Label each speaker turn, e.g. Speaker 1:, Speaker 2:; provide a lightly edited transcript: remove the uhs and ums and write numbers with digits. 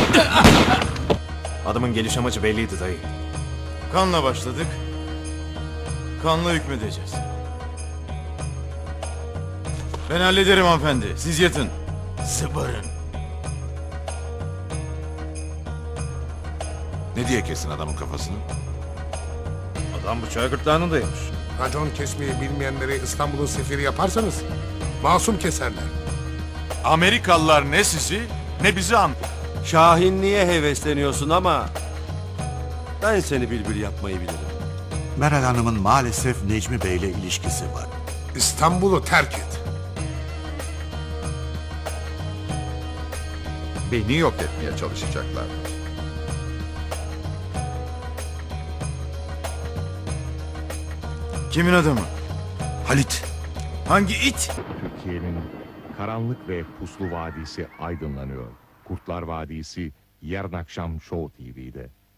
Speaker 1: Adamın geliş amacı belliydi dayı.
Speaker 2: Kanla başladık. Kanla hükmedeceğiz. Ben hallederim hanımefendi. Siz yatın. Zıbarın.
Speaker 3: Ne diye kesin adamın kafasını?
Speaker 1: Adam bıçağı gırtlağına dayamış.
Speaker 4: Racon kesmeyi bilmeyenleri İstanbul'un sefiri yaparsanız masum keserler.
Speaker 3: Amerikalılar ne sizi ne bizi an...
Speaker 5: Şahinliğe hevesleniyorsun ama ben seni bülbül yapmayı bilirim.
Speaker 6: Meral Hanım'ın maalesef Necmi Bey'le ilişkisi var.
Speaker 4: İstanbul'u terk et.
Speaker 7: Beni yok etmeye çalışacaklar.
Speaker 2: Kimin adamı?
Speaker 6: Halit,
Speaker 2: Hangi it?
Speaker 8: Türkiye'nin karanlık ve puslu vadisi aydınlanıyor. Kurtlar Vadisi yarın akşam Show TV'de.